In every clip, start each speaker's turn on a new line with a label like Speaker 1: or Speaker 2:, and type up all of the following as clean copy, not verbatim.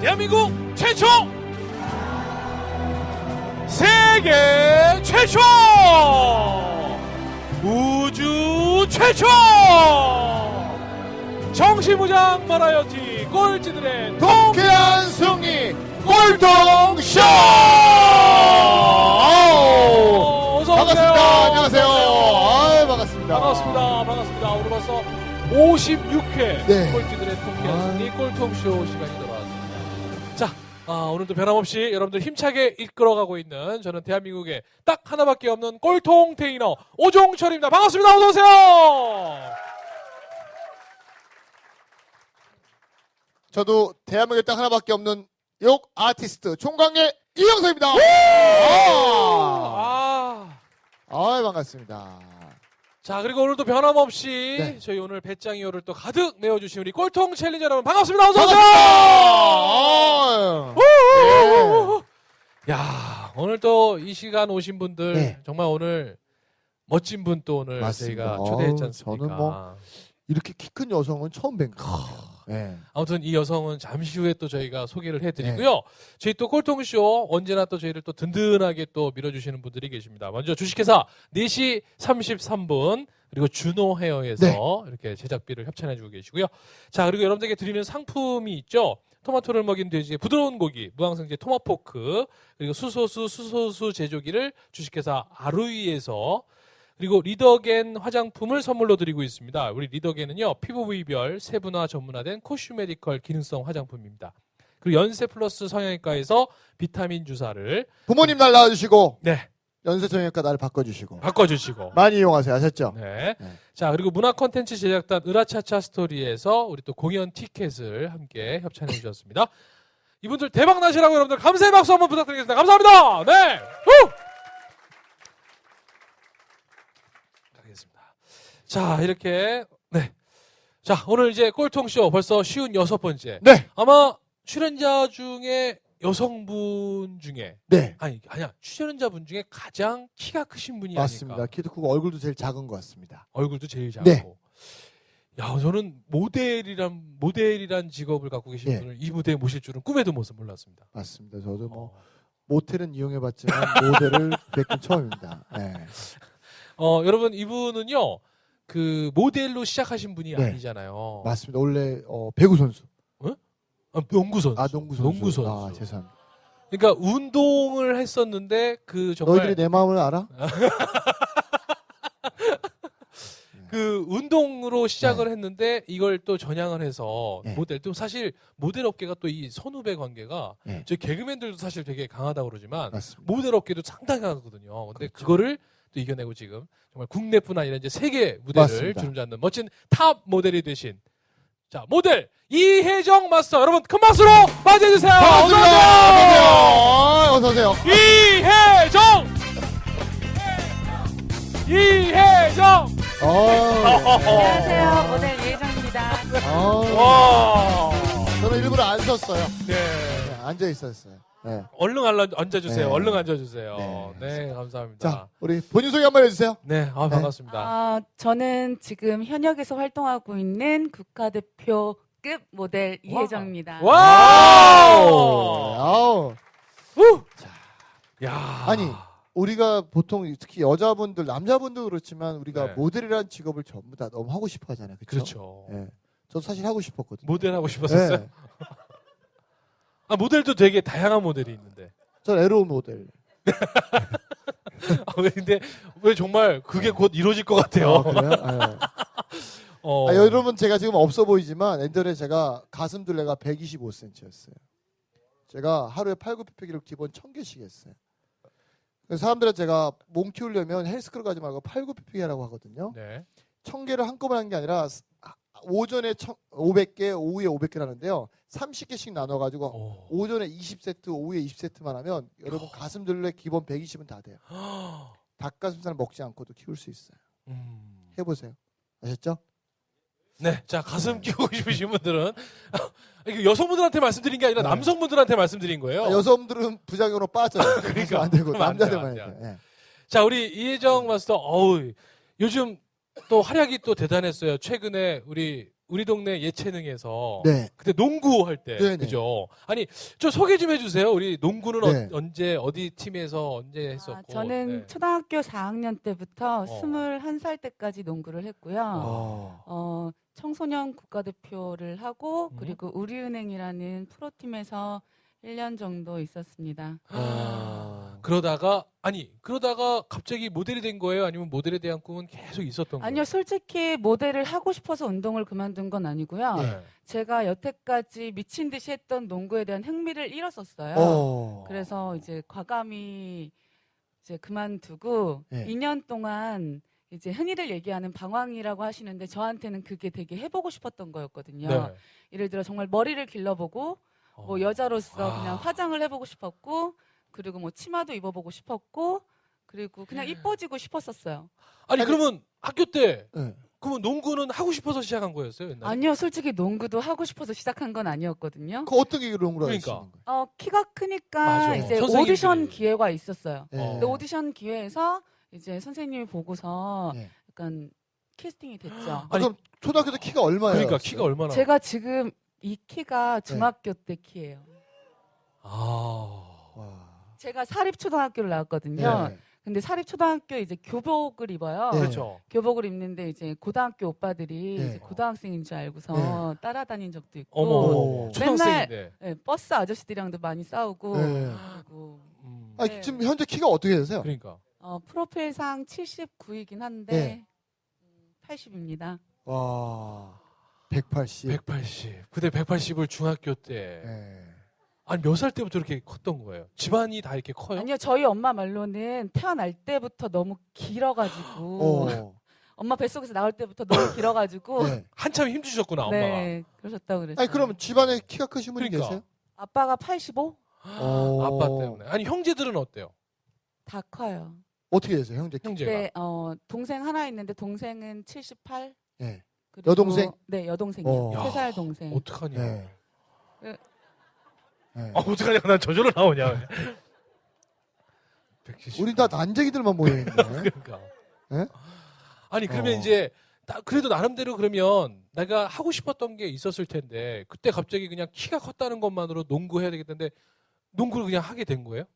Speaker 1: 대한민국 최초, 세계 최초, 우주 최초 정신무장 버라이어티 꼴찌들의
Speaker 2: 통쾌한 승리 꼴통쇼! 반갑습니다. 안녕하세요. 반갑습니다.
Speaker 1: 반갑습니다. 오늘 벌써 56회
Speaker 2: 네.
Speaker 1: 꼴찌들의 통쾌한 승리 꼴통쇼 시간이 돌아왔습니다. 자, 오늘도 변함없이 여러분들 힘차게 이끌어가고 있는 저는 대한민국에 딱 하나밖에 없는 꼴통 테이너 오종철입니다. 반갑습니다. 어서오세요.
Speaker 2: 저도 대한민국에 딱 하나밖에 없는 욕 아티스트 총광의 이영석입니다. 반갑습니다.
Speaker 1: 자, 그리고 오늘도 변함없이
Speaker 2: 네.
Speaker 1: 저희 오늘 배짱이호를 또 가득 메워주신 우리 꼴통 챌린저 여러분 반갑습니다. 어서오세요.
Speaker 2: 네.
Speaker 1: 야, 오늘 또 이 시간 오신 분들
Speaker 2: 네.
Speaker 1: 정말 오늘 멋진 분 또 오늘
Speaker 2: 맞습니다.
Speaker 1: 저희가 초대했지 않습니까?
Speaker 2: 저는 뭐 이렇게 키 큰 여성은 처음 뵌 것 같아요. 네.
Speaker 1: 아무튼 이 여성은 잠시 후에 또 저희가 소개를 해드리고요. 저희 또 꼴통쇼 언제나 또 저희를 또 든든하게 또 밀어주시는 분들이 계십니다. 먼저 주식회사 4시 33분 그리고 준호 헤어에서
Speaker 2: 네.
Speaker 1: 이렇게 제작비를 협찬해주고 계시고요. 자, 그리고 여러분들에게 드리는 상품이 있죠. 토마토를 먹인 돼지의 부드러운 고기, 무항생제 토마포크, 그리고 수소수 제조기를 주식회사 아루이에서 그리고 리더겐 화장품을 선물로 드리고 있습니다. 우리 리더겐은요, 피부 부위별 세분화 전문화된 코슈메디컬 기능성 화장품입니다. 그리고 연세 플러스 성형외과에서 비타민 주사를
Speaker 2: 부모님 날 낳아주시고
Speaker 1: 네,
Speaker 2: 연세정형외과 날 바꿔주시고
Speaker 1: 바꿔주시고
Speaker 2: 많이 이용하세요. 아셨죠?
Speaker 1: 네.
Speaker 2: 네.
Speaker 1: 자, 그리고 문화 콘텐츠 제작단 으라차차 스토리에서 우리 또 공연 티켓을 함께 협찬해 주셨습니다. 이분들 대박 나시라고 여러분들 감사의 박수 한번 부탁드리겠습니다. 감사합니다. 네. 후! 자, 이렇게 네. 자, 오늘 이제 꼴통쇼 벌써 56번째.
Speaker 2: 네.
Speaker 1: 아마 출연자 중에 여성분 중에
Speaker 2: 네.
Speaker 1: 아니야. 출연자분 중에 가장 키가 크신 분이
Speaker 2: 맞습니다.
Speaker 1: 아닐까.
Speaker 2: 키도 크고 얼굴도 제일 작은 것 같습니다.
Speaker 1: 얼굴도 제일 작고.
Speaker 2: 네.
Speaker 1: 야, 저는 모델이란 직업을 갖고 계신
Speaker 2: 예.
Speaker 1: 분을 이 무대에 모실 줄은 꿈에도 몰랐습니다.
Speaker 2: 맞습니다. 저도 뭐 모텔은 이용해봤지만 모델을 뵙긴 처음입니다. 네.
Speaker 1: 여러분 이분은요. 그 모델로 시작하신 분이
Speaker 2: 네.
Speaker 1: 아니잖아요.
Speaker 2: 맞습니다. 원래 배구 선수.
Speaker 1: 농구 선수.
Speaker 2: 농구 선수. 죄송합니다.
Speaker 1: 그러니까 운동을 했었는데 그 정말
Speaker 2: 너희들이 내 마음을 알아?
Speaker 1: 그 운동으로 시작을
Speaker 2: 네.
Speaker 1: 했는데 이걸 또 전향을 해서
Speaker 2: 네.
Speaker 1: 모델 또 사실 모델 업계가 또 이 선후배 관계가
Speaker 2: 네.
Speaker 1: 저희 개그맨들도 사실 되게 강하다고 그러지만
Speaker 2: 맞습니다.
Speaker 1: 모델 업계도 상당히 강하거든요. 근데
Speaker 2: 그렇죠.
Speaker 1: 그거를 또 이겨내고 지금 정말 국내뿐 아니라 이제 세계 무대를
Speaker 2: 맞습니다.
Speaker 1: 주름잡는 멋진 탑 모델이 되신 자 모델 이혜정 마스터 여러분 큰 박수로 맞이해 주세요.
Speaker 2: 어서 오세요.
Speaker 1: 이혜정.
Speaker 3: 안녕하세요. 모델 이혜정입니다.
Speaker 1: 와.
Speaker 2: 저는 일부러 안 섰어요.
Speaker 1: 네.
Speaker 2: 네, 앉아 있었어요. 네.
Speaker 1: 얼른 앉아주세요.
Speaker 2: 네.
Speaker 1: 얼른 앉아주세요.
Speaker 2: 네.
Speaker 1: 네, 감사합니다.
Speaker 2: 자, 우리 본인 소개 한번 해주세요.
Speaker 1: 네, 반갑습니다.
Speaker 3: 저는 지금 현역에서 활동하고 있는 국가대표급 모델 이혜정입니다.
Speaker 2: 아우.
Speaker 1: 야.
Speaker 2: 아니, 우리가 보통 특히 여자분들, 남자분도 그렇지만 우리가
Speaker 1: 네.
Speaker 2: 모델이라는 직업을 전부 다 너무 하고 싶어 하잖아요.
Speaker 1: 그렇죠.
Speaker 2: 네. 저도 사실 하고 싶었거든요.
Speaker 1: 모델 하고 싶었었어요?
Speaker 2: 네.
Speaker 1: 모델도 되게 다양한 모델이 있는데.
Speaker 2: 전 에로 모델.
Speaker 1: 근데 왜 정말 그게 곧 이루어질 것 같아요.
Speaker 2: 그래요? 네. 여러분 제가 지금 없어 보이지만 옛날에 제가 가슴 둘레가 125cm였어요. 제가 하루에 팔굽혀펴기를 기본 1000개씩 했어요. 그래서 사람들은 제가 몸 키우려면 헬스클럽 가지 말고 팔굽혀펴기 하라고 하거든요.
Speaker 1: 네.
Speaker 2: 1000개를 한꺼번에 하는 게 아니라 오전에 500개, 오후에 500개 하는데요. 30개씩 나눠가지고 오전에 20세트, 오후에 20세트만 하면 여러분 가슴 둘레 기본 120은 다 돼요. 닭가슴살 먹지 않고도 키울 수 있어요. 해보세요. 아셨죠?
Speaker 1: 네, 자 가슴 키우고 싶으신 분들은 이거 여성분들한테 말씀드린 게 아니라
Speaker 2: 네.
Speaker 1: 남성분들한테 말씀드린 거예요.
Speaker 2: 여성들은 부작용으로 빠져요.
Speaker 1: 그러니까.
Speaker 2: 안 되고
Speaker 1: 그러면 안 돼요,
Speaker 2: 남자들만
Speaker 1: 안
Speaker 2: 해야
Speaker 1: 돼요.
Speaker 2: 돼요. 네.
Speaker 1: 자, 우리 이혜정 마스터, 요즘 또 활약이 또 대단했어요. 최근에 우리 우리 동네 예체능에서
Speaker 2: 네.
Speaker 1: 그때 농구 할 때
Speaker 2: 네네.
Speaker 1: 그죠? 아니 좀 소개 좀 해주세요. 우리 농구는
Speaker 2: 네.
Speaker 1: 언제 어디 팀에서 언제
Speaker 3: 아,
Speaker 1: 했었고?
Speaker 3: 저는
Speaker 1: 네.
Speaker 3: 초등학교 4학년 때부터
Speaker 1: 어.
Speaker 3: 21살 때까지 농구를 했고요.
Speaker 2: 어.
Speaker 3: 청소년 국가대표를 하고
Speaker 1: 음.
Speaker 3: 그리고 우리은행이라는 프로팀에서 1년 정도 있었습니다.
Speaker 1: 그러다가 갑자기 모델이 된 거예요? 아니면 모델에 대한 꿈은 계속 있었던 거예요?
Speaker 3: 아니요, 솔직히 모델을 하고 싶어서 운동을 그만둔 건 아니고요.
Speaker 1: 네.
Speaker 3: 제가 여태까지 미친 듯이 했던 농구에 대한 흥미를 잃었었어요. 그래서 이제 과감히 이제 그만두고
Speaker 2: 네.
Speaker 3: 2년 동안 이제 흔히들 얘기하는 방황이라고 하시는데 저한테는 그게 되게 해보고 싶었던 거였거든요.
Speaker 1: 네.
Speaker 3: 예를 들어 정말 머리를 길러보고 뭐 여자로서 그냥 화장을 해보고 싶었고 그리고 뭐 치마도 입어보고 싶었고 그리고 그냥 이뻐지고 싶었었어요.
Speaker 1: 아니 그러면 학교 때
Speaker 2: 네.
Speaker 1: 그러면 농구는 하고 싶어서 시작한 거였어요? 옛날에?
Speaker 3: 아니요, 솔직히 농구도 하고 싶어서 시작한 건 아니었거든요.
Speaker 2: 그 어떤 계기로 농구를
Speaker 1: 그러니까.
Speaker 2: 하시는 거예요?
Speaker 3: 키가 크니까
Speaker 1: 맞아.
Speaker 3: 이제
Speaker 1: 선생님들이.
Speaker 3: 오디션 기회가 있었어요.
Speaker 2: 네.
Speaker 3: 근데 오디션 기회에서 이제 선생님이 보고서
Speaker 2: 네.
Speaker 3: 약간 캐스팅이 됐죠.
Speaker 1: 아니,
Speaker 2: 그럼 초등학교 때 키가 얼마예요?
Speaker 1: 그러니까 키가 얼마나?
Speaker 3: 제가 지금 이 키가 중학교 때 키예요.
Speaker 1: 아.
Speaker 2: 와.
Speaker 3: 제가 사립초등학교를 나왔거든요.
Speaker 2: 네.
Speaker 3: 근데 사립초등학교 이제 교복을 입어요.
Speaker 2: 네.
Speaker 1: 그렇죠.
Speaker 3: 교복을 입는데 이제 고등학교 오빠들이
Speaker 2: 네.
Speaker 3: 이제 고등학생인 줄 알고서 따라다닌 적도 있고
Speaker 1: 어머.
Speaker 2: 오.
Speaker 1: 초등학생인데.
Speaker 3: 네, 버스 아저씨들이랑도 많이 싸우고
Speaker 2: 네.
Speaker 3: 그리고
Speaker 2: 아,
Speaker 3: 네.
Speaker 2: 지금 현재 키가 어떻게 되세요?
Speaker 1: 그러니까.
Speaker 3: 프로필상 79이긴 한데
Speaker 2: 네.
Speaker 3: 80입니다.
Speaker 2: 와. 180.
Speaker 1: 180. 근데 180을 중학교 때.
Speaker 2: 네.
Speaker 1: 아니 몇 살 때부터 이렇게 컸던 거예요? 집안이 다 이렇게 커요?
Speaker 3: 아니요, 저희 엄마 말로는 태어날 때부터 너무 길어가지고 엄마 뱃속에서 나올 때부터 너무 길어가지고
Speaker 2: 네.
Speaker 1: 한참 힘주셨구나 엄마가.
Speaker 3: 네, 그러셨다고 그랬어요.
Speaker 2: 아니 그럼 집안에 키가 크신 분이
Speaker 1: 그러니까.
Speaker 2: 계세요?
Speaker 3: 아빠가 85?
Speaker 1: 아빠 때문에. 아니 형제들은 어때요?
Speaker 3: 다 커요.
Speaker 2: 어떻게 되세요, 형제 키?
Speaker 1: 형제가.
Speaker 3: 네, 동생 하나 있는데 동생은 78.
Speaker 2: 네.
Speaker 3: 그리고-
Speaker 2: 여동생?
Speaker 3: 네, 여동생이요.
Speaker 2: 어.
Speaker 3: 3살 동생.
Speaker 1: 어떡하냐.
Speaker 2: 네.
Speaker 3: 네.
Speaker 2: 네.
Speaker 1: 어떡하냐. 난 저절로 나오냐. 170.
Speaker 2: 우리 다 난쟁이들만 모여 있네.
Speaker 1: 그러니까.
Speaker 2: 네?
Speaker 1: 아니 그러면
Speaker 2: 어.
Speaker 1: 이제 그래도 나름대로 그러면 내가 하고 싶었던 게 있었을 텐데 그때 갑자기 그냥 키가 컸다는 것만으로 농구해야 되겠는데 농구를 그냥 하게 된 거예요?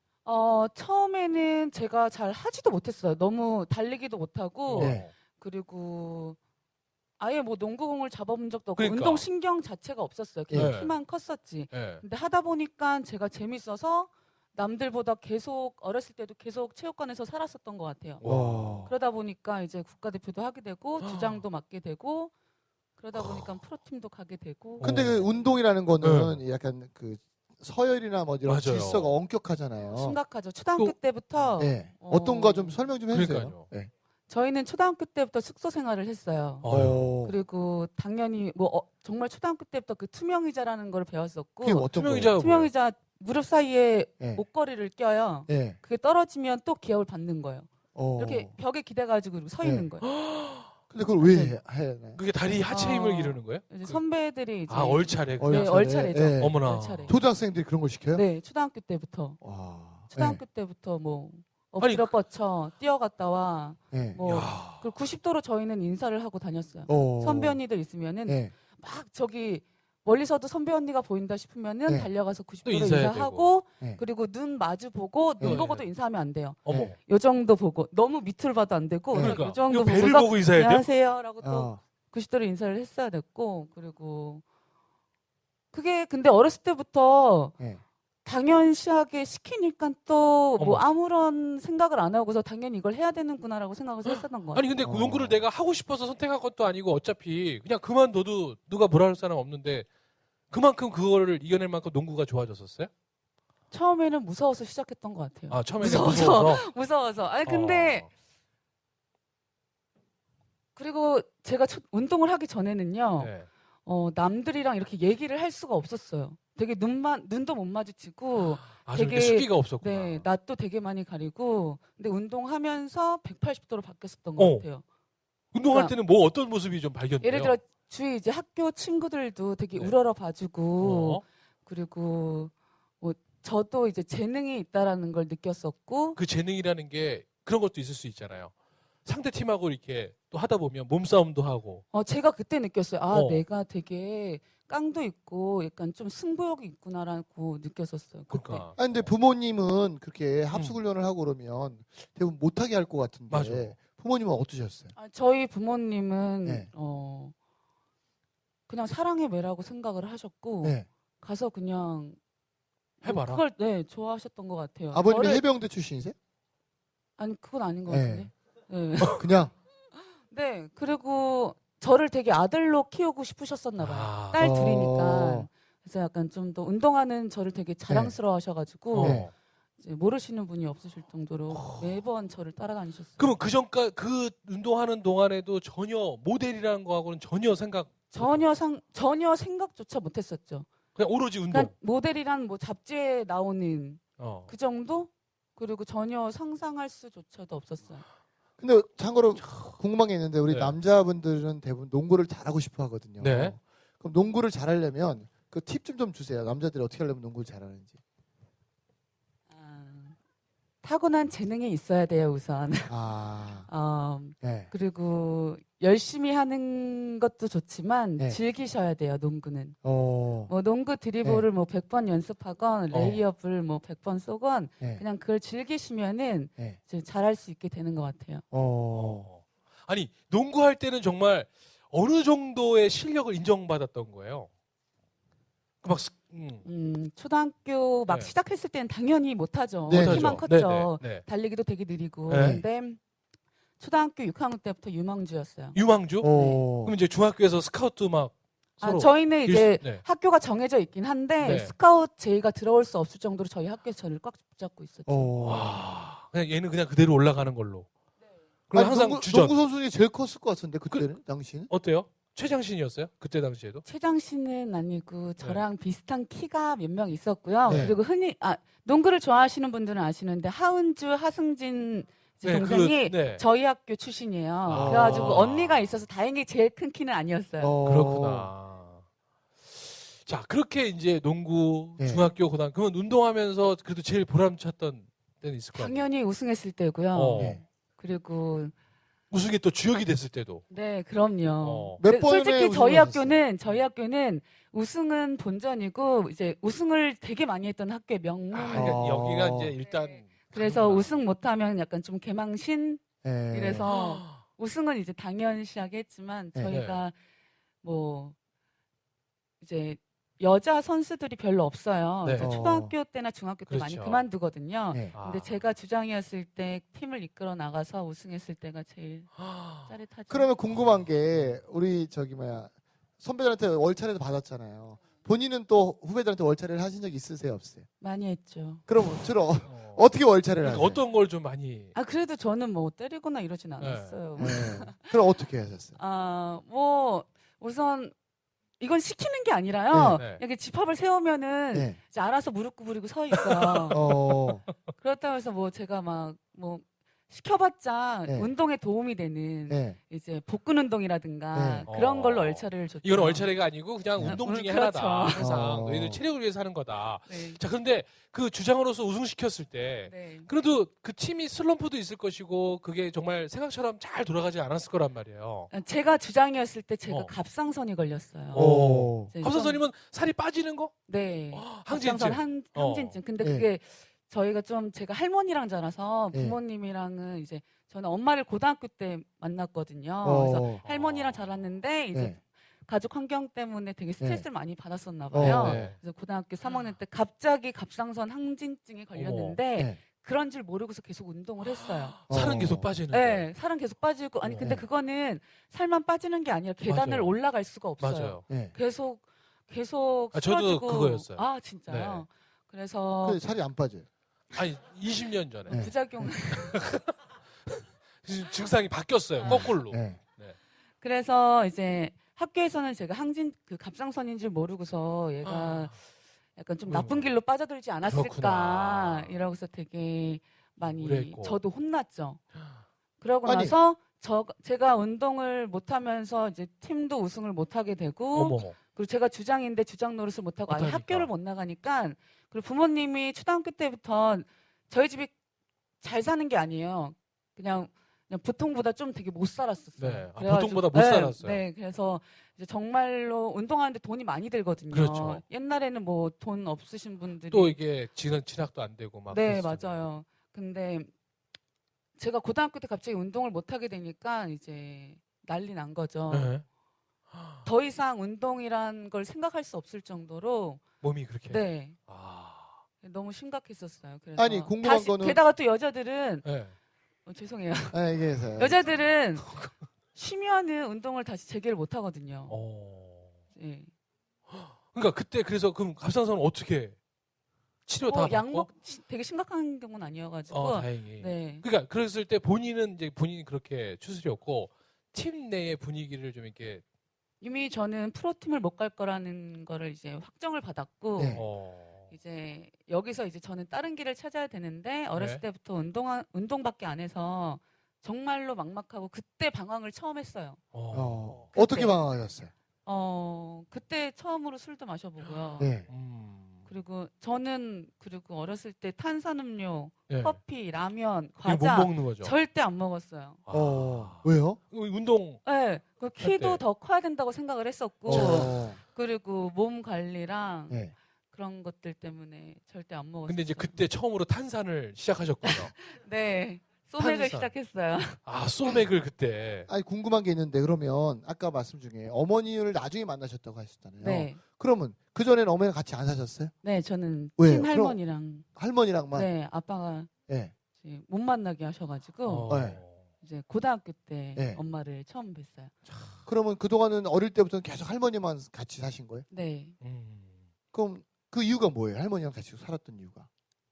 Speaker 3: 처음에는 제가 잘 하지도 못했어요. 너무 달리기도 못하고
Speaker 2: 네.
Speaker 3: 그리고 아예 뭐 농구공을 잡아본 적도 없고
Speaker 1: 그러니까.
Speaker 3: 운동 신경 자체가 없었어요. 그냥
Speaker 1: 네.
Speaker 3: 키만 컸었지.
Speaker 1: 네.
Speaker 3: 근데 하다 보니까 제가 재밌어서 남들보다 계속 어렸을 때도 계속 체육관에서 살았었던 것 같아요.
Speaker 2: 와.
Speaker 3: 그러다 보니까 이제 국가대표도 하게 되고 주장도 맡게 되고 그러다 보니까 프로팀도 가게 되고
Speaker 2: 근데 그 운동이라는 거는 약간 그 서열이나 뭐 이런
Speaker 1: 맞아요.
Speaker 2: 질서가 엄격하잖아요.
Speaker 3: 심각하죠. 초등학교
Speaker 1: 또-
Speaker 3: 때부터
Speaker 2: 네. 어떤가 좀 설명 좀 해주세요.
Speaker 1: 그러니까요.
Speaker 2: 네.
Speaker 3: 저희는 초등학교 때부터 숙소 생활을 했어요.
Speaker 1: 아유.
Speaker 3: 그리고 당연히 뭐 정말 초등학교 때부터 그 투명의자라는 걸 배웠었고
Speaker 2: 그게 어떤
Speaker 1: 투명의자가 뭐예요?
Speaker 3: 투명의자 무릎 사이에
Speaker 2: 네.
Speaker 3: 목걸이를 껴요.
Speaker 2: 네.
Speaker 3: 그게 떨어지면 또 기합을 받는 거예요.
Speaker 2: 어.
Speaker 3: 이렇게 벽에 기대가지고 이렇게 서
Speaker 2: 네.
Speaker 3: 있는 거예요.
Speaker 2: 근데 그걸 왜 해야 하나요?
Speaker 1: 그게 다리 하체 힘을 기르는 거예요?
Speaker 3: 이제 선배들이 이제
Speaker 1: 얼차례.
Speaker 2: 어,
Speaker 3: 네,
Speaker 2: 얼차례.
Speaker 3: 얼차례죠.
Speaker 2: 네.
Speaker 1: 어머나.
Speaker 3: 얼차례.
Speaker 2: 초등학생들이 그런 걸 시켜요?
Speaker 3: 네, 초등학교 때부터.
Speaker 2: 와.
Speaker 3: 초등학교 때부터 뭐 엎드려 뻗쳐 뛰어갔다 와.
Speaker 2: 네.
Speaker 3: 뭐
Speaker 1: 야.
Speaker 3: 그리고 90도로 저희는 인사를 하고 다녔어요.
Speaker 2: 어.
Speaker 3: 선배 언니들 있으면은
Speaker 2: 네.
Speaker 3: 막 저기 멀리서도 선배 언니가 보인다 싶으면은
Speaker 2: 네.
Speaker 3: 달려가서
Speaker 1: 또
Speaker 3: 90도로
Speaker 1: 인사해야
Speaker 3: 인사하고
Speaker 2: 네.
Speaker 3: 그리고 눈 마주 보고 눈
Speaker 2: 네.
Speaker 3: 보고도 인사하면 안 돼요.
Speaker 1: 어머.
Speaker 2: 네.
Speaker 3: 요 정도 보고 너무 밑을 봐도 안 되고
Speaker 2: 네.
Speaker 1: 그러니까.
Speaker 3: 요 정도
Speaker 1: 이거 배를
Speaker 3: 보고서
Speaker 1: 보고 인사해야 돼요?
Speaker 3: 안녕하세요라고 또
Speaker 2: 어.
Speaker 3: 90도로 인사를 했어야 됐고 그리고 그게 근데 어렸을 때부터
Speaker 2: 네.
Speaker 3: 당연시하게 시키니까 또
Speaker 1: 어머.
Speaker 3: 뭐 아무런 생각을 안 하고서 당연히 이걸 해야 되는구나라고 생각해서 했었던 것 같아요.
Speaker 1: 아니 근데 그 농구를 내가 하고 싶어서 선택한 것도 아니고 어차피 그냥 그만둬도 누가 뭐라 할 사람 없는데 그만큼 그거를 이겨낼 만큼 농구가 좋아졌었어요?
Speaker 3: 처음에는 무서워서 시작했던 것 같아요.
Speaker 1: 아 처음에는
Speaker 3: 무서워서.
Speaker 1: 무서워서.
Speaker 3: 무서워서. 아니 근데 그리고 제가 운동을 하기 전에는요.
Speaker 1: 네.
Speaker 3: 남들이랑 이렇게 얘기를 할 수가 없었어요. 되게 눈도 못 마주치고
Speaker 1: 아주 이렇게
Speaker 3: 되게-
Speaker 1: 수기가 없었구나.
Speaker 3: 네, 낯도 되게 많이 가리고 근데 운동하면서 180도로 바뀌었었던 것 같아요.
Speaker 1: 운동할
Speaker 3: 그러니까
Speaker 1: 때는 뭐 어떤 모습이 좀 발견돼요?
Speaker 3: 예를 들어 주위 이제 학교 친구들도 되게
Speaker 1: 네.
Speaker 3: 우러러 봐주고
Speaker 1: 어?
Speaker 3: 그리고 뭐 저도 이제 재능이 있다라는 걸 느꼈었고
Speaker 1: 그 재능이라는 게 그런 것도 있을 수 있잖아요. 상대 팀하고 이렇게 또 하다 보면 몸싸움도 하고.
Speaker 3: 제가 그때 느꼈어요. 아,
Speaker 1: 어.
Speaker 3: 내가 되게 깡도 있고 약간 좀 승부욕이 있구나라고 느꼈었어요. 그때.
Speaker 1: 그러니까.
Speaker 2: 아 근데 부모님은 그렇게 합숙훈련을 하고 그러면 대부분 못하게 할 것 같은데
Speaker 1: 맞아.
Speaker 2: 부모님은 어떠셨어요?
Speaker 3: 저희 부모님은
Speaker 2: 네.
Speaker 3: 그냥 사랑의 매라고 생각을 하셨고
Speaker 2: 네.
Speaker 3: 가서 그냥
Speaker 1: 해봐라.
Speaker 3: 그걸 좋아하셨던 것 같아요.
Speaker 2: 아버님이
Speaker 3: 저를-
Speaker 2: 해병대 출신이세요?
Speaker 3: 아니 그건 아닌 것
Speaker 2: 네.
Speaker 3: 같은데. 네.
Speaker 2: 그냥
Speaker 3: 네. 그리고 저를 되게 아들로 키우고 싶으셨었나 봐요.
Speaker 1: 아.
Speaker 3: 딸
Speaker 2: 어.
Speaker 3: 둘이니까. 그래서 약간 좀 더 운동하는 저를 되게 자랑스러워하셔가지고
Speaker 2: 네.
Speaker 3: 이제 모르시는 분이 없으실 정도로 매번 저를 따라다니셨어요.
Speaker 1: 그러면 그 전까 그 운동하는 동안에도 전혀 모델이라는 거하고는 전혀 생각
Speaker 3: 전혀 생각조차 못했었죠.
Speaker 1: 그냥 오로지 운동.
Speaker 3: 그러니까 모델이란 뭐 잡지에 나오는
Speaker 1: 어.
Speaker 3: 그 정도? 그리고 전혀 상상할 수조차도 없었어요.
Speaker 2: 근데 참고로 궁금한 게 있는데 우리
Speaker 1: 네.
Speaker 2: 남자분들은 대부분 농구를 잘하고 싶어 하거든요.
Speaker 1: 네.
Speaker 2: 그럼 농구를 잘하려면 그 팁 좀 주세요. 남자들이 어떻게 하려면 농구를 잘하는지.
Speaker 3: 타고난 재능이 있어야 돼요, 우선.
Speaker 2: 아, 네.
Speaker 3: 그리고 열심히 하는 것도 좋지만
Speaker 2: 네.
Speaker 3: 즐기셔야 돼요, 농구는.
Speaker 2: 어,
Speaker 3: 뭐 농구 드리블을 뭐 100번 연습하건 레이업을 뭐 100번 쏘건
Speaker 2: 네.
Speaker 3: 그냥 그걸 즐기시면은
Speaker 2: 네.
Speaker 3: 이제 잘할 수 있게 되는 것 같아요.
Speaker 1: 아니 농구할 때는 정말 어느 정도의 실력을 인정받았던 거예요. 막
Speaker 3: 초등학교 막
Speaker 1: 네.
Speaker 3: 시작했을 때는 당연히 못하죠.
Speaker 2: 네.
Speaker 3: 키만
Speaker 1: 못하죠.
Speaker 3: 컸죠.
Speaker 1: 네, 네.
Speaker 3: 달리기도 되게 느리고.
Speaker 1: 네.
Speaker 3: 근데 초등학교 6학년 때부터 유망주였어요.
Speaker 1: 유망주?
Speaker 2: 어,
Speaker 1: 그럼 이제 중학교에서 스카우트 막 서로
Speaker 3: 저희는 이제
Speaker 1: 네.
Speaker 3: 학교가 정해져 있긴 한데
Speaker 1: 네.
Speaker 3: 스카우트 제의가 들어올 수 없을 정도로 저희 학교에서 저를 꽉 붙잡고 있었죠.
Speaker 1: 와, 그냥 얘는 그냥 그대로 올라가는 걸로. 그럼 항상
Speaker 2: 농구,
Speaker 1: 주전.
Speaker 2: 농구 선수 중에 제일 컸을 것 같은데 그때는 당시는?
Speaker 1: 어때요? 최장신이었어요? 그때 당시에도?
Speaker 3: 최장신은 아니고 저랑 비슷한 키가 몇 명 있었고요.
Speaker 2: 네.
Speaker 3: 그리고 흔히 농구를 좋아하시는 분들은 아시는데 하은주, 하승진 이제 동생이
Speaker 1: 네.
Speaker 3: 저희 학교 출신이에요.
Speaker 1: 아.
Speaker 3: 그래가지고 언니가 있어서 다행히 제일 큰 키는 아니었어요.
Speaker 1: 그렇구나. 자, 그렇게 이제 농구,
Speaker 2: 네.
Speaker 1: 중학교, 고등학교, 그러면 운동하면서 그래도 제일 보람찼던 때는 있을 거 아니에요?
Speaker 3: 당연히 우승했을 때고요.
Speaker 1: 네.
Speaker 3: 그리고
Speaker 1: 우승이 또 주역이 됐을 때도.
Speaker 3: 네, 그럼요.
Speaker 2: 몇 번의
Speaker 3: 솔직히 저희
Speaker 2: 우승을
Speaker 3: 학교는 우승은 본전이고 이제 우승을 되게 많이 했던 학교의 명문.
Speaker 1: 그러니까 여기가 이제 일단
Speaker 3: 그래서
Speaker 1: 가는구나.
Speaker 3: 우승 못하면 약간 좀 개망신.
Speaker 2: 네.
Speaker 3: 이래서 우승은 이제 당연시하게 했지만
Speaker 2: 네.
Speaker 3: 저희가 뭐 이제 여자 선수들이 별로 없어요.
Speaker 1: 네.
Speaker 3: 이제 초등학교 때나 중학교 때 많이
Speaker 1: 그렇죠.
Speaker 3: 그만두거든요.
Speaker 2: 네.
Speaker 1: 아.
Speaker 3: 근데 제가 주장이었을 때 팀을 이끌어 나가서 우승했을 때가 제일 짜릿하죠.
Speaker 2: 그러면 궁금한 게 우리 선배들한테 월차례도 받았잖아요. 본인은 또 후배들한테 월차례를 하신 적 있으세요, 없어요?
Speaker 3: 많이 했죠.
Speaker 2: 그럼 주로 어떻게 월차례를
Speaker 1: 그러니까
Speaker 2: 하세요?
Speaker 1: 어떤 걸 좀 많이
Speaker 3: 그래도 저는 뭐 때리거나 이러진 않았어요.
Speaker 2: 네. 그럼 어떻게 하셨어요?
Speaker 3: 뭐 우선 이건 시키는 게 아니라요.
Speaker 1: 네.
Speaker 3: 이렇게 집합을 세우면은
Speaker 2: 네.
Speaker 3: 이제 알아서 무릎 구부리고 서 있어요. 그렇다고 해서 뭐 제가 막 뭐 시켜봤자
Speaker 2: 네.
Speaker 3: 운동에 도움이 되는
Speaker 2: 네.
Speaker 3: 이제 복근 운동이라든가
Speaker 2: 네.
Speaker 3: 그런 걸로 월차를 줬죠.
Speaker 1: 이건 월차례가 아니고 그냥
Speaker 3: 네.
Speaker 1: 운동 중에
Speaker 3: 그렇죠.
Speaker 1: 하나다. 항상
Speaker 2: 어.
Speaker 1: 너희들 체력을 위해서 하는 거다.
Speaker 3: 네.
Speaker 1: 자, 그런데 그 주장으로서 우승시켰을 때
Speaker 3: 네.
Speaker 1: 그래도 그 팀이 슬럼프도 있을 것이고 그게 정말 생각처럼 잘 돌아가지 않았을 거란 말이에요.
Speaker 3: 제가 주장이었을 때 제가
Speaker 1: 어.
Speaker 3: 갑상선이 걸렸어요.
Speaker 2: 오.
Speaker 3: 이제
Speaker 1: 감사선님은 살이 빠지는 거?
Speaker 3: 네.
Speaker 1: 항진증.
Speaker 3: 갑상선 항진증. 근데
Speaker 2: 네.
Speaker 3: 그게 저희가 좀 제가 할머니랑 자라서
Speaker 2: 네.
Speaker 3: 부모님이랑은 이제 저는 엄마를 고등학교 때 만났거든요. 그래서 할머니랑 자랐는데 이제
Speaker 2: 네.
Speaker 3: 가족 환경 때문에 되게 스트레스를 많이 받았었나
Speaker 2: 어.
Speaker 3: 봐요.
Speaker 1: 네.
Speaker 3: 그래서 고등학교 3학년 때 갑자기 갑상선 항진증에 걸렸는데
Speaker 2: 네.
Speaker 3: 그런 줄 모르고서 계속 운동을 했어요.
Speaker 1: 살은
Speaker 2: 어.
Speaker 1: 계속 빠지는데.
Speaker 3: 네, 살은 계속 빠지고 아니 근데
Speaker 2: 네.
Speaker 3: 그거는 살만 빠지는 게 아니라 계단을
Speaker 1: 맞아요.
Speaker 3: 올라갈 수가 없어요.
Speaker 1: 맞아요.
Speaker 2: 네.
Speaker 3: 계속
Speaker 1: 저도
Speaker 3: 쓰러지고.
Speaker 1: 그거였어요.
Speaker 3: 진짜요?
Speaker 1: 네.
Speaker 3: 그래서
Speaker 2: 근데 살이 안 빠져요.
Speaker 1: 아니 20년 전에
Speaker 2: 네.
Speaker 3: 부작용.
Speaker 1: 증상이 바뀌었어요. 거꾸로.
Speaker 2: 네.
Speaker 3: 그래서 이제 학교에서는 제가 그 갑상선인 줄 모르고서 얘가 약간 좀 나쁜 길로 빠져들지 않았을까
Speaker 1: 그렇구나.
Speaker 3: 이러고서 되게 많이
Speaker 1: 우려했고.
Speaker 3: 저도 혼났죠. 그러고
Speaker 2: 아니.
Speaker 3: 나서 제가 운동을 못하면서 이제 팀도 우승을 못하게 되고
Speaker 1: 어머.
Speaker 3: 그리고 제가 주장인데 주장 노릇을 못하고 아예
Speaker 1: 못하니까.
Speaker 3: 학교를 못 나가니까 그리고 부모님이 초등학교 때부터 저희 집이 잘 사는 게 아니에요. 그냥 그냥 보통보다 좀 되게 못 살았었어요.
Speaker 1: 네. 아,
Speaker 3: 그래가지고-
Speaker 1: 보통보다 못
Speaker 3: 네,
Speaker 1: 살았어요.
Speaker 3: 네, 그래서 이제 정말로 운동하는데 돈이 많이 들거든요.
Speaker 1: 그렇죠.
Speaker 3: 옛날에는 뭐 돈 없으신 분들이
Speaker 1: 또 이게 진학도 안 되고 막.
Speaker 3: 네,
Speaker 1: 그랬었잖아요.
Speaker 3: 맞아요. 근데 제가 고등학교 때 갑자기 운동을 못 하게 되니까 이제 난리 난 거죠.
Speaker 1: 네.
Speaker 3: 더 이상 운동이란 걸 생각할 수 없을 정도로
Speaker 1: 몸이 그렇게.
Speaker 3: 네.
Speaker 1: 아.
Speaker 3: 너무 심각했었어요. 그래서
Speaker 2: 아니, 궁금한
Speaker 3: 다시,
Speaker 2: 거는-
Speaker 3: 게다가 또 여자들은
Speaker 1: 네.
Speaker 3: 죄송해요.
Speaker 2: 아, 얘기해서요.
Speaker 3: 여자들은 쉬면은 운동을 다시 재개를 못 하거든요. 예.
Speaker 1: 그러니까 그때 그래서 그럼 갑상선은 어떻게 치료 다 받고?
Speaker 3: 약먹 되게 심각한 경우는 아니어가지고.
Speaker 1: 다행히.
Speaker 3: 네.
Speaker 1: 그러니까 그랬을 때 본인은 이제 본인이 그렇게 추스렸고 팀 내의 분위기를 좀 이렇게
Speaker 3: 이미 저는 프로팀을 못 갈 거라는 거를 이제 확정을 받았고
Speaker 2: 네.
Speaker 3: 이제 여기서 이제 저는 다른 길을 찾아야 되는데 어렸을
Speaker 1: 네.
Speaker 3: 때부터 운동밖에 안 해서 정말로 막막하고 그때 방황을 처음 했어요.
Speaker 2: 어떻게
Speaker 3: 그때.
Speaker 2: 방황하셨어요?
Speaker 3: 그때 처음으로 술도 마셔보고요.
Speaker 2: 네.
Speaker 3: 그리고 저는 어렸을 때 탄산음료,
Speaker 1: 네.
Speaker 3: 커피, 라면,
Speaker 1: 이거 못
Speaker 3: 과자
Speaker 1: 먹는 거죠.
Speaker 3: 절대 안 먹었어요.
Speaker 2: 왜요?
Speaker 1: 운동
Speaker 3: 네, 그 키도
Speaker 1: 때.
Speaker 3: 더 커야 된다고 생각을 했었고
Speaker 2: 어.
Speaker 3: 그리고 몸 관리랑
Speaker 2: 네.
Speaker 3: 그런 것들 때문에 절대 안 먹었어요.
Speaker 1: 근데 이제 그때 처음으로 탄산을 시작하셨군요.
Speaker 3: 네, 소맥을
Speaker 1: 탄산.
Speaker 3: 시작했어요.
Speaker 1: 아, 소맥을 그때.
Speaker 2: 아니, 궁금한 게 있는데, 그러면 아까 말씀 중에 어머니를 나중에 만나셨다고 하셨잖아요.
Speaker 3: 네,
Speaker 2: 그러면 그전에는 어머니랑 같이 안 사셨어요?
Speaker 3: 네, 저는
Speaker 2: 왜요?
Speaker 3: 친할머니랑
Speaker 2: 할머니랑만?
Speaker 3: 네 아빠가
Speaker 2: 네.
Speaker 3: 이제 못 만나게 하셔가지고
Speaker 2: 네.
Speaker 3: 이제 고등학교 때
Speaker 2: 네.
Speaker 3: 엄마를 처음 뵀어요.
Speaker 2: 그러면 그동안은 어릴 때부터는 계속 할머니만 같이 사신 거예요?
Speaker 3: 네,
Speaker 2: 그럼 그 이유가 뭐예요? 할머니랑 같이 살았던 이유가?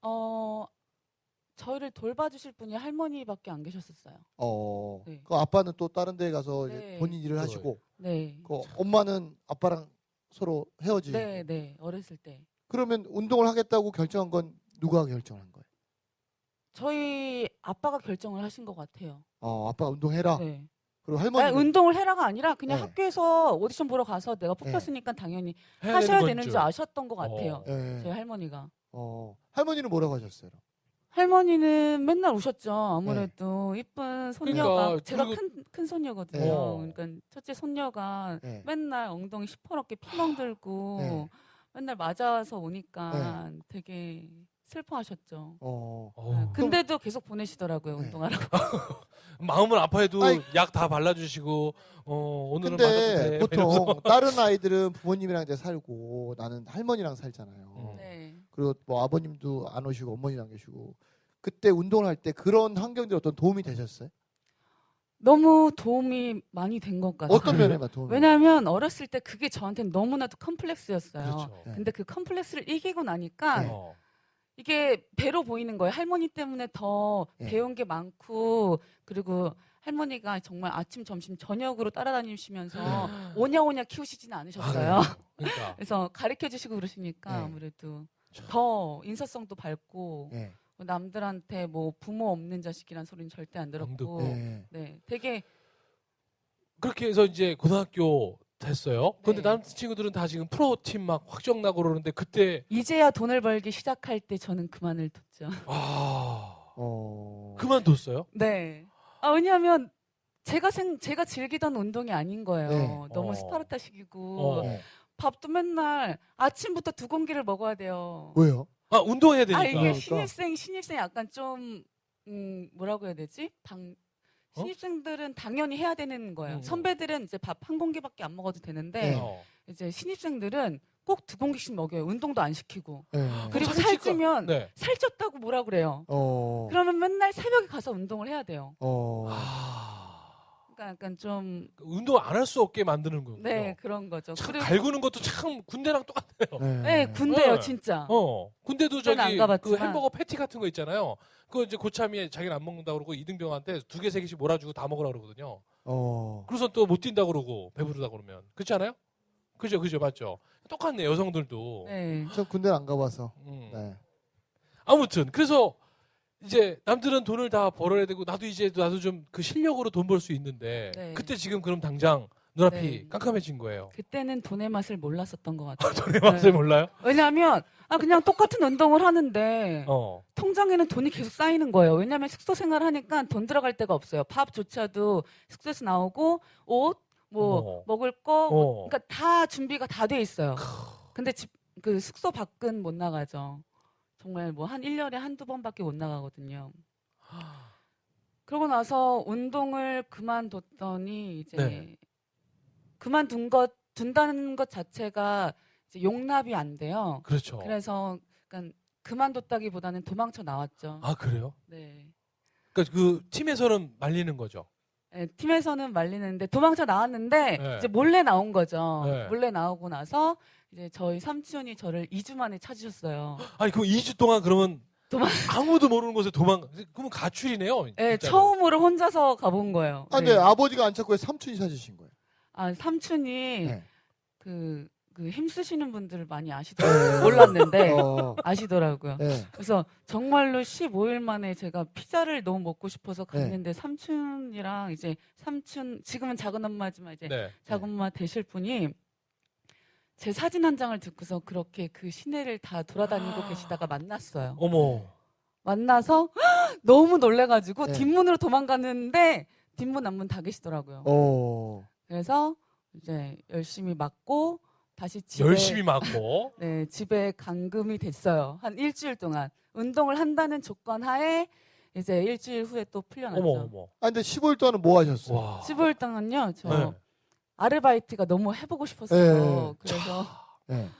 Speaker 3: 저희를 돌봐주실 분이 할머니밖에 안 계셨었어요. 네.
Speaker 2: 그 아빠는 또 다른 데 가서 이제
Speaker 3: 네.
Speaker 2: 본인 일을 하시고,
Speaker 3: 네,
Speaker 2: 그 엄마는 아빠랑 서로 헤어지고.
Speaker 3: 네, 네, 어렸을 때
Speaker 2: 그러면 운동을 하겠다고 결정한 건 누가 결정한 거예요?
Speaker 3: 저희 아빠가 결정을 하신 것 같아요.
Speaker 2: 아빠가 운동해라.
Speaker 3: 네.
Speaker 2: 그리고
Speaker 3: 아니,
Speaker 2: 할머니는
Speaker 3: 운동을 해라가 아니라 그냥
Speaker 2: 네.
Speaker 3: 학교에서 오디션 보러 가서 내가 뽑혔으니까 당연히
Speaker 1: 해야
Speaker 3: 하셔야
Speaker 1: 되는
Speaker 3: 되는
Speaker 1: 줄.
Speaker 3: 줄 아셨던 것 같아요.
Speaker 2: 예.
Speaker 3: 저희 할머니가.
Speaker 2: 할머니는 뭐라고 하셨어요?
Speaker 3: 할머니는 맨날 우셨죠. 아무래도 이쁜 손녀가
Speaker 1: 그러니까,
Speaker 3: 제가
Speaker 1: 그리고-
Speaker 3: 큰 손녀거든요.
Speaker 2: 네.
Speaker 3: 그러니까 첫째 손녀가
Speaker 2: 네.
Speaker 3: 맨날 엉덩이 시퍼렇게 피멍 들고
Speaker 2: 네.
Speaker 3: 맨날 맞아서 오니까 되게 슬퍼하셨죠.
Speaker 1: 어우.
Speaker 3: 근데도 계속 보내시더라고요.
Speaker 2: 네.
Speaker 3: 운동하라고.
Speaker 1: 마음은 아파해도
Speaker 2: 아이.
Speaker 1: 약 다 발라주시고 오늘은 맞아도
Speaker 2: 근데
Speaker 1: 돼.
Speaker 2: 보통
Speaker 1: 이러면서.
Speaker 2: 다른 아이들은 부모님이랑 이제 살고 나는 할머니랑 살잖아요.
Speaker 3: 네.
Speaker 2: 그리고 뭐 아버님도 안 오시고 어머니랑 계시고 그때 운동을 할 때 그런 환경들이 어떤 도움이 되셨어요?
Speaker 3: 너무 도움이 많이 된 것 같아요.
Speaker 2: 어떤 면에만 도움이?
Speaker 3: 왜냐하면 어렸을 때 그게 저한테는 너무나도 컴플렉스였어요.
Speaker 1: 그렇죠.
Speaker 2: 네.
Speaker 3: 근데 그 컴플렉스를 이기고 나니까
Speaker 2: 네.
Speaker 3: 이게 배로 보이는 거예요. 할머니 때문에 더
Speaker 2: 네.
Speaker 3: 배운 게 많고 그리고 할머니가 정말 아침, 점심, 저녁으로 따라다니시면서 오냐오냐 키우시지는 않으셨어요.
Speaker 1: 그러니까.
Speaker 3: 그래서 가르쳐 주시고 그러시니까
Speaker 2: 네.
Speaker 3: 아무래도 더 인사성도 밝고
Speaker 2: 네.
Speaker 3: 남들한테 뭐 부모 없는 자식이란 소리는 절대 안 들었고
Speaker 2: 네.
Speaker 3: 네, 되게
Speaker 1: 그렇게 해서 이제 고등학교 됐어요. 근데
Speaker 3: 네.
Speaker 1: 남친구들은 다 지금 프로팀 막 확정 나고 그러는데 그때
Speaker 3: 이제야 돈을 벌기 시작할 때 저는 그만을 뒀죠.
Speaker 1: 그만뒀어요?
Speaker 3: 네. 왜냐하면 제가 즐기던 운동이 아닌 거예요.
Speaker 2: 네.
Speaker 3: 너무
Speaker 1: 어.
Speaker 3: 스파르타식이고
Speaker 2: 네.
Speaker 3: 밥도 맨날 아침부터 2공기를 먹어야 돼요.
Speaker 2: 왜요?
Speaker 1: 운동해야 되니까.
Speaker 3: 이게
Speaker 2: 그러니까.
Speaker 3: 신입생 약간 좀 뭐라고 해야 되지?
Speaker 1: 어?
Speaker 3: 신입생들은 당연히 해야 되는 거예요. 선배들은 이제 밥 1공기밖에 안 먹어도 되는데
Speaker 2: 네.
Speaker 3: 이제 신입생들은 꼭 2공기씩 먹여요. 운동도 안 시키고.
Speaker 2: 네.
Speaker 3: 그리고
Speaker 1: 살찌니까-
Speaker 3: 살찌면
Speaker 1: 네.
Speaker 3: 살쪘다고 뭐라 그래요. 그러면 맨날 새벽에 가서 운동을 해야 돼요. 그러니까 약간 좀
Speaker 1: 운동 안 할 수 없게 만드는 거군요.
Speaker 3: 네, 그런 거죠.
Speaker 1: 참
Speaker 3: 그리고
Speaker 1: 갈구는 것도 참 군대랑 똑같아요.
Speaker 3: 네, 군대요,
Speaker 1: 네.
Speaker 3: 진짜.
Speaker 1: 군대도
Speaker 3: 군대는 안
Speaker 1: 저기
Speaker 3: 가봤지만.
Speaker 1: 그 햄버거 패티 같은 거 있잖아요. 그거 이제 고참이 자기는 안 먹는다 그러고 이등병한테 2개, 3개씩 몰아주고 다 먹으라 그러거든요. 그래서 또 못 뛴다 그러고 배부르다 그러면. 그렇지 않아요? 그죠, 맞죠. 똑같네, 여성들도.
Speaker 3: 네.
Speaker 2: 저 군대를 안 가봐서.
Speaker 1: 음.
Speaker 2: 네.
Speaker 1: 아무튼 그래서 이제 남들은 돈을 다 벌어야 되고 나도 좀 그 실력으로 돈 벌 수 있는데
Speaker 3: 네.
Speaker 1: 그때 지금 그럼 당장 눈앞이
Speaker 3: 네.
Speaker 1: 깜깜해진 거예요.
Speaker 3: 그때는 돈의 맛을 몰랐었던 것 같아요.
Speaker 1: 돈의 맛을 몰라요?
Speaker 3: 왜냐하면 그냥 똑같은 운동을 하는데
Speaker 1: 어.
Speaker 3: 통장에는 돈이 계속 쌓이는 거예요. 왜냐하면 숙소 생활을 하니까 돈 들어갈 데가 없어요. 밥조차도 숙소에서 나오고 옷, 뭐 먹을 거, 그러니까 다 준비가 다 돼 있어요. 근데 그 숙소 밖은 못 나가죠. 정말 뭐 한 1년에 한두 번밖에 못 나가거든요. 그러고 나서 운동을 그만뒀더니 이제
Speaker 1: 네.
Speaker 3: 둔다는 것 자체가 이제 용납이 안 돼요.
Speaker 1: 그렇죠.
Speaker 3: 그래서 그러니까 그만뒀다기보다는 도망쳐 나왔죠.
Speaker 1: 아, 그래요?
Speaker 3: 네.
Speaker 1: 그러니까 그 팀에서는 말리는 거죠.
Speaker 3: 네, 팀에서는 말리는데 도망쳐 나왔는데
Speaker 1: 네.
Speaker 3: 이제 몰래 나온 거죠.
Speaker 1: 네.
Speaker 3: 몰래 나오고 나서 이제 저희 삼촌이 저를 2주 만에 찾으셨어요.
Speaker 1: 아니, 그럼 2주 동안 그러면
Speaker 3: 도망-
Speaker 1: 아무도 모르는 곳에 그러면 가출이네요.
Speaker 3: 네,
Speaker 1: 진짜로.
Speaker 3: 처음으로 혼자서 가본 거예요.
Speaker 2: 아, 근데
Speaker 3: 네.
Speaker 2: 아버지가 안 찾고 왜 삼촌이 찾으신 거예요?
Speaker 3: 삼촌이
Speaker 2: 네.
Speaker 3: 그 힘쓰시는 분들을 많이 아시더라고요. 몰랐는데 아시더라고요.
Speaker 2: 네.
Speaker 3: 그래서 정말로 15일 만에 제가 피자를 너무 먹고 싶어서
Speaker 2: 네.
Speaker 3: 갔는데 삼촌이랑 이제 삼촌 지금은 작은 엄마지만 이제
Speaker 1: 네.
Speaker 3: 작은 엄마 되실 분이 제 사진 한 장을 듣고서 그렇게 그 시내를 다 돌아다니고 계시다가 만났어요.
Speaker 1: 어머.
Speaker 3: 만나서 너무 놀래가지고
Speaker 2: 네.
Speaker 3: 뒷문으로 도망갔는데 뒷문 앞문 다 계시더라고요. 그래서 이제 열심히 맞고 다시 집에
Speaker 1: 열심히 맞고.
Speaker 3: 네, 집에 감금이 됐어요. 한 일주일 동안 운동을 한다는 조건 하에 이제 일주일 후에 또 풀려났죠.
Speaker 1: 어머.
Speaker 2: 아, 근데 15일 동안은 뭐 하셨어요?
Speaker 1: 와.
Speaker 3: 15일 동안요. 저
Speaker 1: 네.
Speaker 3: 아르바이트가 너무 해보고 싶었어요.
Speaker 2: 네.
Speaker 3: 그래서
Speaker 2: 네.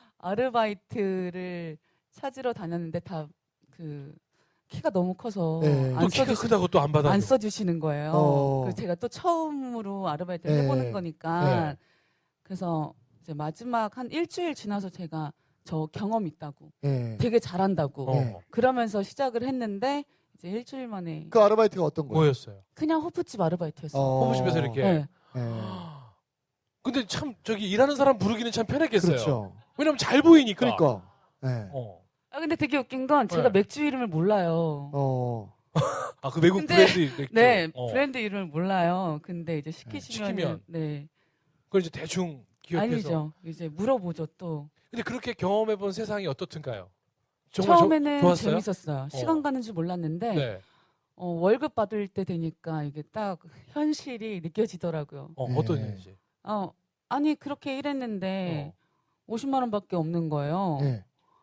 Speaker 3: 아르바이트를 찾으러 다녔는데 다 그 키가 너무 커서
Speaker 2: 네.
Speaker 1: 또 키가 크다고 또 안 받아.
Speaker 3: 안 써주시는 거예요. 그래서 제가 또 처음으로 아르바이트를
Speaker 2: 네.
Speaker 3: 해보는 거니까
Speaker 1: 네.
Speaker 3: 그래서 이제 마지막 한 일주일 지나서 제가 저 경험 있다고
Speaker 2: 네.
Speaker 3: 되게 잘한다고
Speaker 1: 어.
Speaker 2: 네.
Speaker 3: 그러면서 시작을 했는데 이제 일주일 만에
Speaker 2: 그 아르바이트가 어떤 거예요?
Speaker 1: 뭐였어요?
Speaker 3: 그냥 호프집 아르바이트였어요.
Speaker 1: 호프집에서 이렇게.
Speaker 3: 네.
Speaker 2: 네.
Speaker 1: 근데 참 저기 일하는 사람 부르기는 참 편했겠어요.
Speaker 2: 그렇죠.
Speaker 1: 왜냐면 잘 보이니까.
Speaker 2: 그러니까. 네.
Speaker 3: 근데 되게 웃긴 건 제가
Speaker 1: 네.
Speaker 3: 맥주 이름을 몰라요.
Speaker 1: 아, 그 외국
Speaker 3: 근데-
Speaker 1: 브랜드 맥주.
Speaker 3: 네, 브랜드 이름을 몰라요. 근데 이제 시키면
Speaker 1: 시키면.
Speaker 3: 네.
Speaker 1: 그걸 이제 대충 기억해서.
Speaker 3: 아니죠. 이제 물어보죠 또.
Speaker 1: 근데 그렇게 경험해본 세상이 어떻든가요? 정말
Speaker 3: 처음에는
Speaker 1: 좋았어요?
Speaker 3: 재밌었어요. 시간 가는 줄 몰랐는데
Speaker 1: 네.
Speaker 3: 월급 받을 때 되니까 이게 딱 현실이 느껴지더라고요.
Speaker 1: 어떤
Speaker 2: 네.
Speaker 1: 일인지.
Speaker 3: 아니 그렇게 일했는데 50만 원밖에 없는 거예요.
Speaker 2: 네.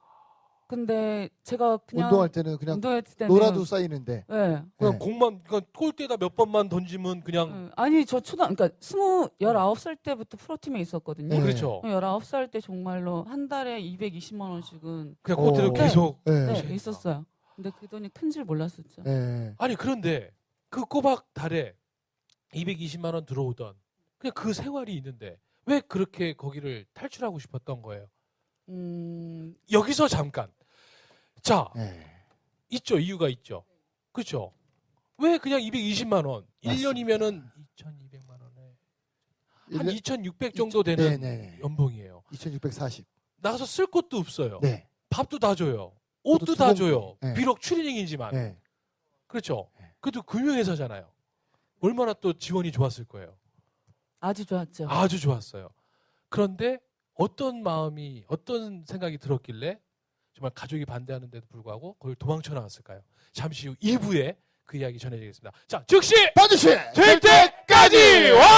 Speaker 3: 근데 제가 그냥
Speaker 2: 운동할 때는 그냥
Speaker 3: 운동할 때는
Speaker 2: 놀아도 쌓이는데.
Speaker 3: 네.
Speaker 1: 그냥
Speaker 2: 네.
Speaker 1: 공만, 그러니까 골대에다 몇 번만 던지면 그냥.
Speaker 3: 아니 저 그러니까 19살 때부터 프로팀에 있었거든요.
Speaker 2: 네.
Speaker 1: 그렇죠.
Speaker 3: 19살 때 정말로 한 달에 220만 원씩은
Speaker 1: 그냥 골대로
Speaker 2: 어.
Speaker 1: 계속.
Speaker 2: 네.
Speaker 3: 네,
Speaker 1: 그러니까.
Speaker 3: 있었어요. 근데 그 돈이 큰 줄 몰랐었죠.
Speaker 2: 네.
Speaker 1: 아니, 그런데 그 꼬박 달에 220만 원 들어오던 그냥 그 생활이 있는데 왜 그렇게 거기를 탈출하고 싶었던 거예요? 여기서 잠깐. 자,
Speaker 2: 네.
Speaker 1: 있죠. 이유가 있죠. 그렇죠. 왜 그냥 220만 원?
Speaker 2: 맞습니다.
Speaker 1: 1년이면은 2,200만 원에 한
Speaker 2: 1년
Speaker 1: 2,600 정도 되는
Speaker 2: 네네.
Speaker 1: 연봉이에요.
Speaker 2: 2640.
Speaker 1: 나가서 쓸 것도 없어요.
Speaker 2: 네.
Speaker 1: 밥도 다 줘요. 옷도
Speaker 2: 두
Speaker 1: 다
Speaker 2: 번-
Speaker 1: 줘요.
Speaker 2: 네.
Speaker 1: 비록 추리닝이지만.
Speaker 2: 네.
Speaker 1: 그렇죠.
Speaker 2: 네.
Speaker 1: 그래도 금융회사잖아요. 얼마나 또 지원이 좋았을 거예요.
Speaker 3: 아주 좋았죠.
Speaker 1: 아주 좋았어요. 그런데 어떤 마음이, 어떤 생각이 들었길래 정말 가족이 반대하는데도 불구하고 거길 도망쳐 나왔을까요? 잠시 후 2부에 그 이야기 전해드리겠습니다. 자, 즉시
Speaker 2: 반드시
Speaker 1: 될 때까지 와!